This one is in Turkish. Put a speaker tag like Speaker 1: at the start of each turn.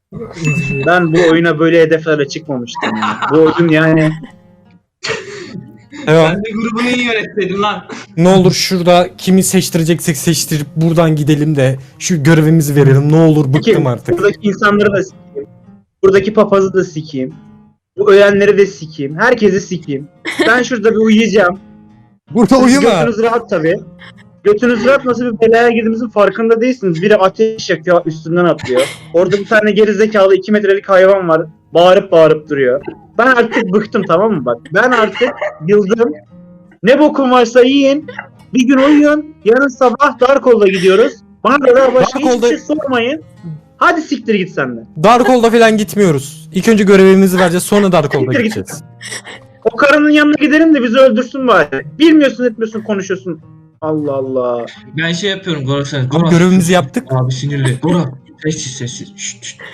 Speaker 1: Ben bu oyuna böyle hedeflerle çıkmamıştım. Bu oyun yani
Speaker 2: Devam.
Speaker 3: Ben de grubunu iyi yönetseydim lan.
Speaker 2: Ne olur şurada kimi seçtireceksek seçtirip buradan gidelim de şu görevimizi verelim. Ne olur bıktım artık.
Speaker 1: buradaki insanları da sikeyim. Buradaki papazı da sikeyim. Bu ölenleri de sikeyim. Herkesi sikeyim. Ben şurada bir uyuyacağım.
Speaker 2: Burada
Speaker 1: Siz
Speaker 2: uyuma.
Speaker 1: götünüz rahat tabii. Götünüz rahat, nasıl bir belaya girdiğimizin farkında değilsiniz. Biri ateş yakıyor, üstünden atlıyor. Orada bir tane gerizekalı 2 metrelik hayvan var. Bağırıp bağırıp duruyor. Ben artık bıktım, tamam mı bak. Ben artık yıldım. Ne bokum varsa yiyin. Bir gün uyuyun. Yarın sabah Darkol'da gidiyoruz. Bana da daha başka hiçbir
Speaker 2: Darkol'da-
Speaker 1: şey sormayın. Hadi siktir git sen de.
Speaker 2: Darkol'da falan gitmiyoruz. İlk önce görevimizi vereceğiz, sonra Darkol'da
Speaker 1: Siktir git.
Speaker 2: gideceğiz.
Speaker 1: O karının yanına gidelim de bizi öldürsün bari. Bilmiyorsun etmiyorsun konuşuyorsun. Allah Allah.
Speaker 3: Ben şey yapıyorum Gora sen.
Speaker 2: Abi görevimizi yaptık.
Speaker 3: Abi sinirli. Gora sessiz sessiz. Şşt, şşt.